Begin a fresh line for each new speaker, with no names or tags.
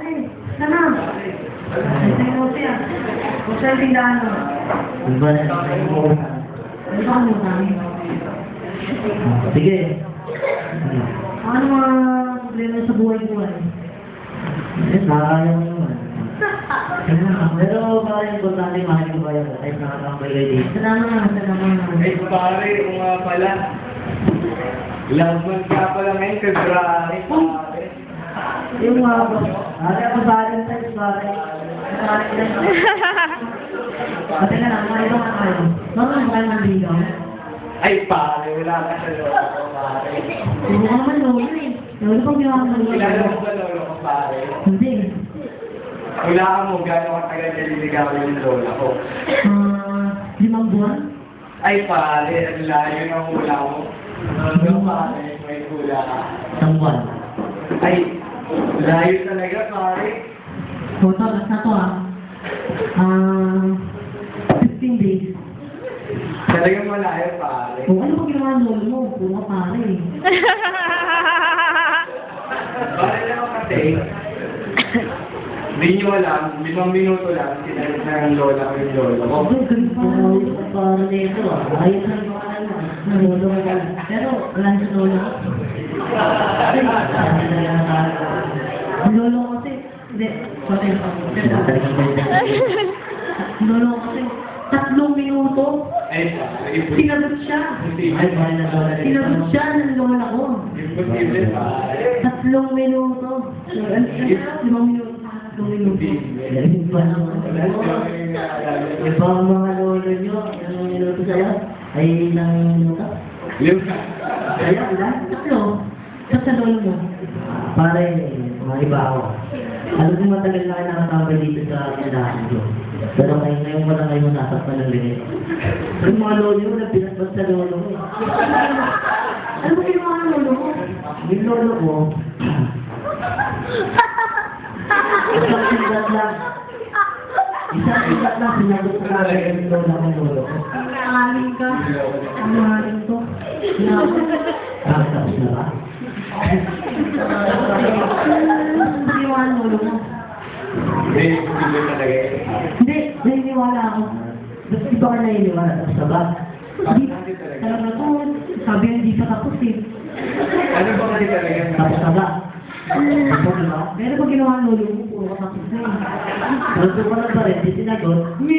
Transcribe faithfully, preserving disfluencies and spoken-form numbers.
pare. Sana. Ay, sa'yo siya. Kung sa'yo tindahan mo.
Ano ba?
Ano ba mo kami?
Sige.
Ano mga problema sa buhay-buhay?
Eh, nakakaya mo naman. Pero parang importante mahal ko kayo kahit nakakambay kayo dito.
Salamat, salamat.
Ay, pare, kung nga pala. Love month ka pala ngayon, February, pare.
Yung mga po, hari ako sa akin tayo sa akin.
Pati na lang, mga ibang ano. Bakit mo kayo mandigaw?
Ay, pare, wala ka sa lolo, pare.
Hindi ko naman lolo eh. Lolo pang ginawa ko ng
Kilala
lolo.
mo ba lolo ko, pare?
Hindi.
Wala ka mo, gano'ng katagal naliligawan yung lola ko.
Ah, limang buwan?
Ay, pare, ang layo ng hula mo. Hanggang pare, may hula ka.
Isang buwan.
Ay, layo talaga, pare.
Photo, basta to ah. Ah, fifteen days.
Talagang malayo, pare.
O ano ba ginawa ng lolo mo? Puro ka pare eh.
Pare naman kasi, hindi nyo alam, limang minuto lang, sinalit na ng lola ko yung lola ko.
Oh, ganun pa.
Ayos pa rin nito ah. Ayos na yung mga ano.
Lolo ko pala. Pero wala sa lolo ko.
Ay, sabi na yan sa akin.
Ang lolo ko kasi, hindi, sorry.
Talagang balitan.
Ang lolo ko kasi, tatlong minuto,
Ay, pare,
sinagot siya.
Ay, mahal na doon na
Sinagot siya ng lola ko.
imposible, pare.
Tatlong minuto. Limang minuto sa tatlong minuto.
Galing pa naman. Yung bang mga lolo nyo, yung niluto sa'yo, ay ilang minuto?
Kaya, wala? Tatlo. Sa sa lolo mo.
Pare, mga iba ako. Alam ko matagal na kayo nakatambay dito sa tindahan ko. Pero ngayon, ngayon wala kayo nasaktan ng liit. Yung mga lolo nyo, nagpinasbas sa lolo ko.
Ano ba ginawa ng lolo mo?
Yung lolo ko, isang sigat lang. Isang sigat lang, sinagot ko na rin yung lolo ng lolo ko.
Nangaling ka. Ang nangaling to.
Ah, tapos na ba?
Ano ba ginawa ng lolo mo?
Hindi, imposible talaga yun.
Hindi, naniniwala ako.
Ba't di ba ka naniniwala? Tapos na ba?
Hindi, talaga to. Sabi hindi pa tapos eh.
Ano ba kasi talaga?
Tapos na ba? Tapos na ba?
Pero pag ginawa ng lolo mo, puro ka tapos na eh.
Gusto ko na pa rin, di sinagot.
Hindi